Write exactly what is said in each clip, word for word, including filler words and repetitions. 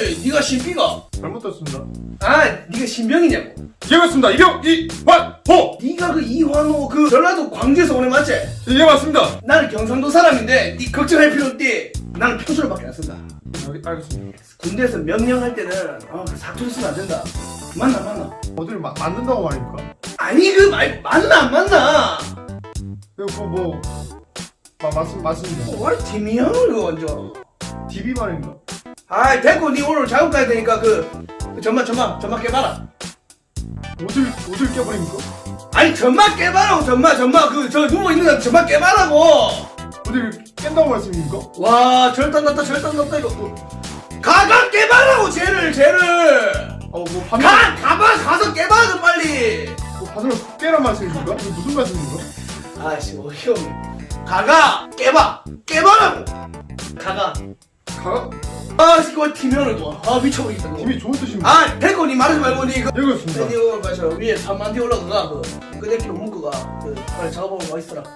아니 네가 신비가 잘못 들었습니다. 아 네가 신병이냐고. 예 맞습니다. 이병 이환호. 네가 그 이환호 그 전라도 광주에서 오네 맞지? 예 맞습니다. 나는 경상도 사람인데 네 걱정할 필요 없디. 나는 표준어밖에 안 쓴다. 알, 알겠습니다. 군대에서 명령할 때는 아, 그 사투리 쓰면 안 된다. 맞나 맞나? 어디를 마, 만든다고 말입니까? 아니 그 말 맞나 안 맞나? 이거 뭐 마, 맞습, 맞습니다. 어, 아니 팀이형을 이거 완전. 디비 말입니다. 아이 됐고 니 오늘 작업 가야 되니까 그, 그 전마 전마 전마 깨봐라. 옷을 옷을 껴버립니까? 아니 전마 깨봐라고 전마 전마 그 저 누워 있는 거 전마 깨봐라고. 어디를 깬다고 말씀입니까? 와 절단 났다 절단 났다 이거. 어. 가가 깨봐라고 쟤를 쟤를. 어뭐 반을 가 가봐 가서 깨봐 좀 빨리. 뭐 반을 깨란 말씀입니까? 이거 무슨 말씀입니까? 아씨 어이없네. 가가 깨봐 깨봐라고. 가가. 가 아 이거 팀면을 둬아 미쳐버리겠다. 그거. 디비 좋은 뜻입니다. 아 됐고 니 말하지 말고 니 그. 예 그렇습니다. 니 오늘 가서 위에 삼만 뒤 올라가가 그 끄대기로 묶어가 그 빨리 작업하고 와 있어라.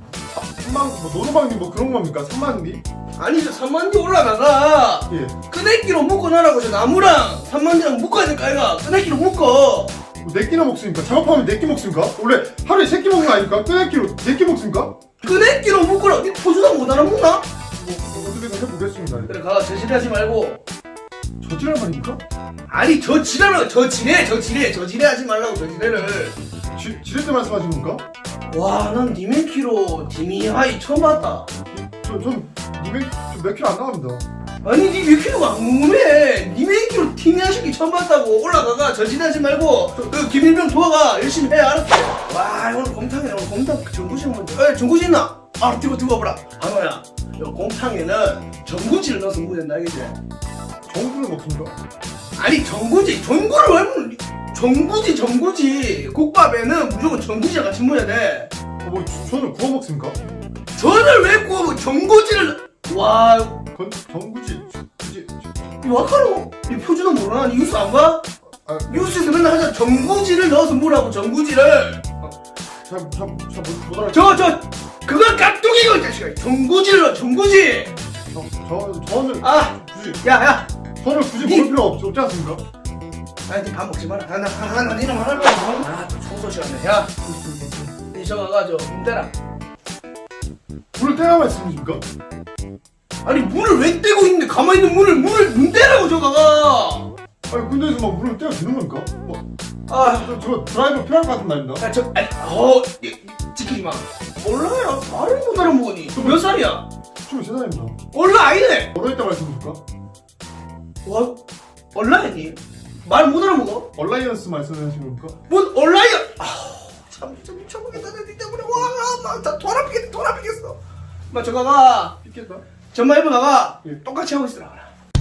삼만 뭐 노노방님 뭐 그런 겁니까? 삼만 디? 아니 저 삼만 뒤 올라가가 예. 끄대기로 묶어놔라고 저 나무랑 삼만 뒤랑 묶어야 될까 아이가. 끄대기로 묶어. 뭐 네끼나 먹습니까? 작업하면 네끼 먹습니까? 원래 하루에 세 끼 먹는 거 아닙니까? 끄네끼로 네끼 먹습니까? 끄대기로 묶어라. 니 포주당 못 알아먹나? 뭐 어떻게든 해보겠습니다. 그래 가 저지하지 말고. 저지랄 말입니까? 아니 저 지랄을 저 지뢰 저 지뢰 저 지뢰 하지 말라고 저 지뢰를. 지, 지렛대 말씀하시는 건가? 와난 니맨키로 디미하이 처음 봤다. 저, 전 이백 몇 킬로 안 나갑니다. 아니 니 몇 킬로가 안 궁금해. 니맨키로 팀이하시기 처음 봤다고. 올라가가 저 지뢰 하지 말고 그 김일병 도와가 열심히 해 알았어. 와 오늘 곰탕이네. 오늘 곰탕 전구지 먼저. 에 전구지 있나? 아 뜨거 뜨거 보라. 한호야 요 곰탕에는 전구지를 넣어서 먹어야 된다 알겠지? 정부를 먹습니까? 아니 전구지 전구를 왜 먹는 전구지 전구지 국밥에는 무조건 전구지가 같이 먹어야 돼. 어, 뭐 저- 저는 구워 먹습니까? 전을 왜 구워 전구지를. 와 건 정구지 굳이 이거 아까로 이 표준어 모르나? 니 뉴스 안 봐? 아, 뉴스에서 맨날 하자 전구지를 넣어서 먹으라고 전구지를. 잘잘잘못 알아. 저 저 그거 깍두기고 이 자식아. 전구지를 넣어 전구지. 저 저는 아 굳이 야야 저는 굳이 니- 먹을 필요 없, 없지 않습니까? 아니 니 밥 먹지 마라. 하나 하나 니랑 말할 거야. 아또 청소 시간에 야. 니 저거 가저 문대라. 물을 떼야 말씀이십니까? 아니 문을 왜 떼고 있는데 가만히 있는 문을 문을 문 떼라고 저거가. 아니 군대에서 막 물을 떼야 되는 겁니까? 뭐 아, 저, 저 드라이버 필요할 것 같은 말입니다. 야, 저, 아니, 어, 이- 이- 지키지 마. 몰라요. 말을 못 알아먹으니. 너 몇 살이야? 스물세 살입니다. 몰라, 아니네. 얼어있다 말씀이십니까? 와, 온라인이? 말 못 알아먹어? 얼라이언스 말씀하시는 겁니까? 뭔 온라인? 아우, 참, 진짜 미쳐보겠다. 내 때문에. 와, 나 돌아피겠다, 돌아피겠어. 마, 저가가, 있겠다. 전마 입어 나가. 예. 똑같이 하고 있으라.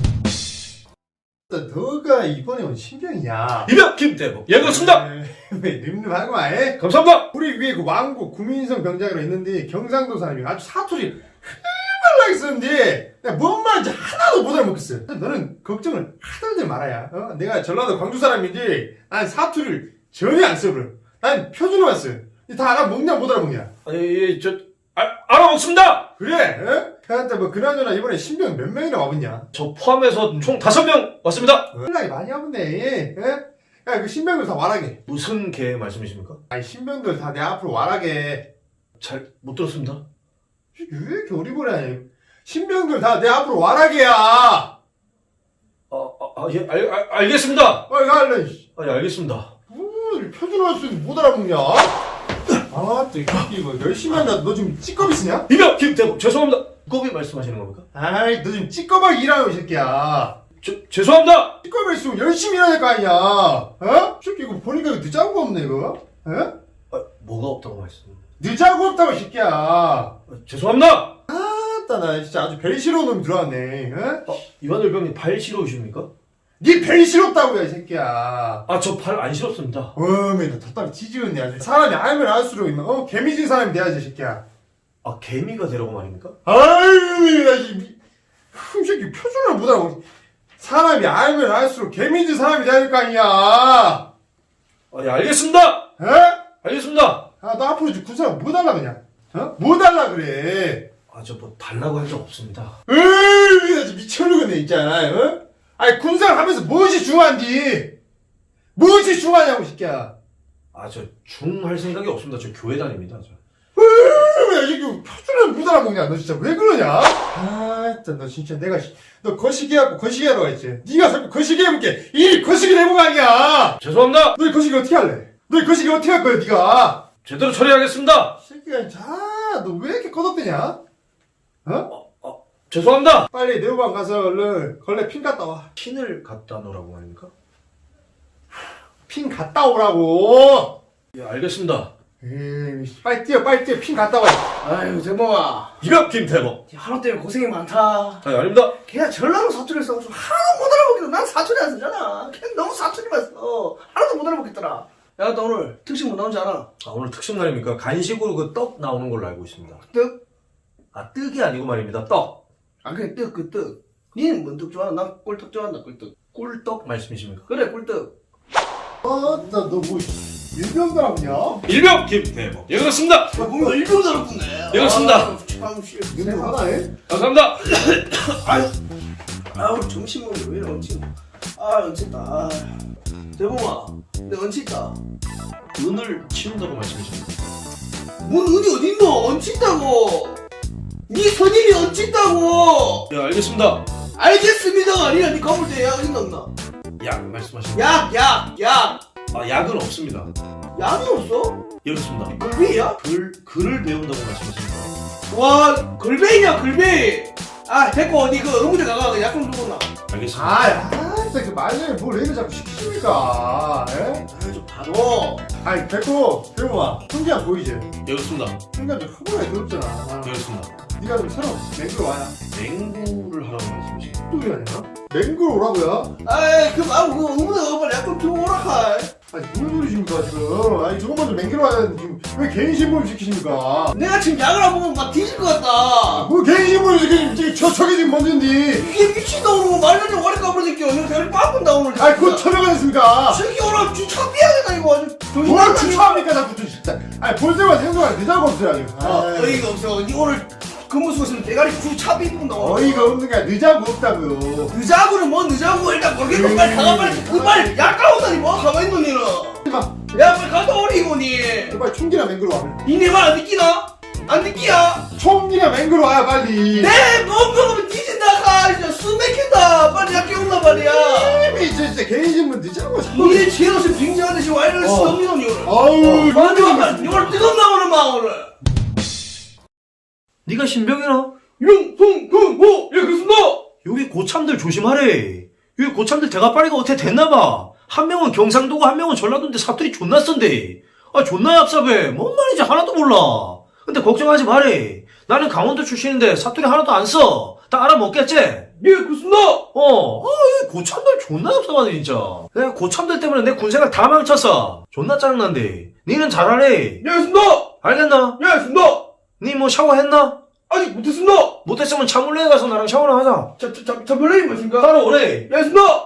너가 이번에 온 신병이야. 이병 김대복 예 그렇습니다. 왜 늠름하고 아예? 감사합니다. 우리 위에 그 왕국 구민성 병장이라 있는데 경상도 사람이 아주 사투리 흘발나게 쓰는데 내가 뭔 말인지 하나도 못 알아먹겠어. 너는 걱정을 하들들 말아야. 어? 내가 전라도 광주 사람인지 난 사투리를 전혀 안 써버려. 난 표준어만 써. 다 알아먹냐 못 알아먹냐. 아니 저 아, 알아먹습니다. 그래? 어? 그한테 뭐 그나저나 이번에 신병 몇 명이나 와봤냐? 저 포함해서 총 다섯 명 왔습니다. 연락이 많이 와봤네. 야, 그 신병들 다 와라게. 무슨 개 말씀이십니까? 아니 신병들 다 내 앞으로 와라게. 잘 못 들었습니다. 왜 이렇게 어리버리하냐? 신병들 다 내 앞으로 와라게야. 아, 아, 아, 예, 알, 알, 알겠습니다. 빨리 갈래. 아, 예, 알겠습니다. 뭐 표준어 쓰는데 못 알아먹냐? 아, 또 이거 열심히 한다. 너 지금 찌꺼비 쓰냐? 이병 김대복 죄송합니다. 두꺼비 말씀하시는 겁니까? 아이, 너 지금 찌꺼비 일하고 이 새끼야. 저 죄송합니다. 찌꺼비 쓰면 열심히 일해야 될 거 아니야. 어? 새끼 이거 보니까 이거 늦자고 없네 이거. 어? 아, 뭐가 없다고 말씀? 늦자고 없다고 이 새끼야. 아, 죄송합니다. 아따 나 진짜 아주 벨시로운 놈이 들어왔네. 어? 아, 이완열 병님 발 싫어오십니까? 네 벨시롭다고요 이 새끼야. 아, 저 발 안 싫었습니다. 어메 너 덧담이 지지었네 아주. 사람이 알면 알수록 있는 어 개미진 사람이 돼야지 이 새끼야. 아, 개미가 되라고 말입니까? 아유 나이 새끼 표준을 못하고 사람이 알면 알수록 개미진 사람이 돼야 될 거 아니야. 아, 예, 알겠습니다. 에? 알겠습니다. 아 너 앞으로 이제 군 사람 뭐 달라 그냥. 어? 뭐 달라 그래. 아, 저 뭐 달라고 한 적 없습니다. 으이 나 진짜 미쳐버리겠네 있잖아. 어? 아니 군생활 하면서 무엇이 중요한디? 무엇이 중요하냐고 이 새끼야. 아, 저 중 할 생각이 없습니다. 저 교회 다닙니다. 저. 왜 이 새끼 표준을 못 알아먹냐? 너 진짜 왜 그러냐? 아 진짜 너 진짜 내가 씨, 너 거시기 하고 거시기 하러 가있지. 네가 자꾸 거시기 해볼게. 이 거시기 해본 거 아니야. 죄송합니다. 너 이 거시기 어떻게 할래? 너 이 거시기 어떻게 할 거야 네가? 제대로 처리하겠습니다. 이 새끼야 자너 왜 이렇게 꺼덕대냐? 어? 죄송합니다. 빨리 네오방 가서 얼른 걸레 핀 갔다 와. 핀을 갖다 놓으라고 말입니까? 핀 갔다 오라고. 예, 알겠습니다. 에이, 빨리 뛰어 빨리 뛰어 핀 갔다 와. 아유 대범아, 이거 김태범. 하루 때문에 고생이 많다. 아니, 아닙니다. 걔가 전라도 사투리를 써가지고 하나도 못 알아먹겠다. 난 사투리 안 쓰잖아. 걔 너무 사투리만 써. 하나도 못 알아먹겠더라. 야, 너 오늘 특식 뭐 나오지 않아? 아, 오늘 특식 날입니까? 간식으로 그 떡 나오는 걸로 알고 있습니다. 떡? 아, 떡이 아니고 말입니다. 떡. 아, 그래, 떡, 그 떡. 니는 뭔 떡 좋아하나? 난 꿀떡 좋아한다, 꿀떡. 꿀떡 말씀이십니까? 그래, 꿀떡. 아나 너 뭐 일병들하냐? 일병 김태범. 예, 그렇습니다. 야, 뭔가 일병 잘했네. 예, 그렇습니다. 아, 참, 씨. 너네 하나해? 감사합니다. 아유, 아, 우리 점심 먹는데 왜 이래, 얹힌 아, 얹힌다. 아. 대범아, 내 얹힌다. 은을 치운다고 말씀이십니까? 뭔 은이 어딨노? 얹힌다고. 니 선임이 얹힌다고. 예, 알겠습니다. 알겠습니다가 아니라 니 가볼 때 약 있나 없나? 약 말씀하십니까? 약, 약, 약. 아, 약은 없습니다. 약이 없어? 예, 그렇습니다. 글베이야? 글, 글을 배운다고 말씀하십니까? 와, 글베이냐, 글베이. 아, 됐고, 어디 그 의무대 가가 약 좀 주고 나. 알겠습니다. 아, 아, 진짜 그 말년에 뭘 애를 자꾸 시키십니까? 에? 아, 좀 봐도. 아이, 됐고, 대우아, 훈장 보이지? 예, 그렇습니다. 훈장 좀 허물하게 더럽잖아. 아, 예, 그렇습니다. 네가 좀 새로 맹글 와야. 맹구를 하라고 말씀이십니까? 또 이게 아니야? 맹글 오라고요? 아이, 그, 아, 그 의무대 가가 빨리 약 좀 주고 오라, 아니, 무슨 소리십니까, 지금? 아니, 저것 먼저 맹글 와야 되는데, 지금 왜 개인 신분 시키십니까? 내가 지금 약을 안 먹으면 막 뒤질 것 같다. 뭐 개인 신분 시키지, 지금 저, 저게 지금 뭔지. 이게 미친놈으로 말년에 오래 까불 새끼 오늘 대리 빠꾼다, 오늘. 아이, 그거 처벌가 됐습니까? 새끼 오늘 주차 삐하겠다, 이거 아주. 뭘 추천합니까, 자꾸 좀 진짜. 아니, 볼 때마다 행동할 늦자고 없어요, 지금. 아, 아이, 어이가 없어. 니 오늘 근무 쓰고 대가리 주차 삐꾼다, 오늘. 어이가 없는 게 아니라 늦자고 없다고요. 늦자고는 뭐 늦자고 일단 모르겠고 빨리 가가 빨리 그빨 약 까오다니 뭐 가만히 있노 니는. 마, 야 빨리 갔다 오리고 니. 빨리 총기나 맹글 와. 니네 말 안 듣기나? 안 듣기야? 총기나 맹글 와야 빨리. 내 먹으면 뒤진다 가 진짜 숨 막힌다. 빨리 약 깨운다 말이야. 이미 진짜, 진짜 개인 신분 늦자고 자꾸. 니네 지혜로서 빙자하듯이 와이를 어. 쓰는 니 오늘. 아우, 완전 말 오늘 뜨겁나 오늘 막 오늘. 네가 신병이나? 용성근호 예 그렇습니다. 여기 고참들 조심하래. 여기 고참들 대가빠리가 어떻게 됐나봐. 한 명은 경상도고 한 명은 전라도인데 사투리 존나 쓴데. 아 존나 얍삽해. 뭔 말인지 하나도 몰라. 근데 걱정하지 마래. 나는 강원도 출신인데 사투리 하나도 안 써. 다 알아먹겠지? 예 그렇습니다. 어. 아, 이 고참들 존나 얍삽하네 진짜. 내가 고참들 때문에 내 군생활 다 망쳤어. 존나 짜증난데. 니는 잘하래. 예 그렇습니다. 알겠나? 예 그렇습니다. 니 뭐 샤워했나? 아직 못했습니다. 못했으면 차물래에 가서 나랑 샤워나 하자. 자자자 별명이 무엇인가? 따라오래. 예 그렇습니다.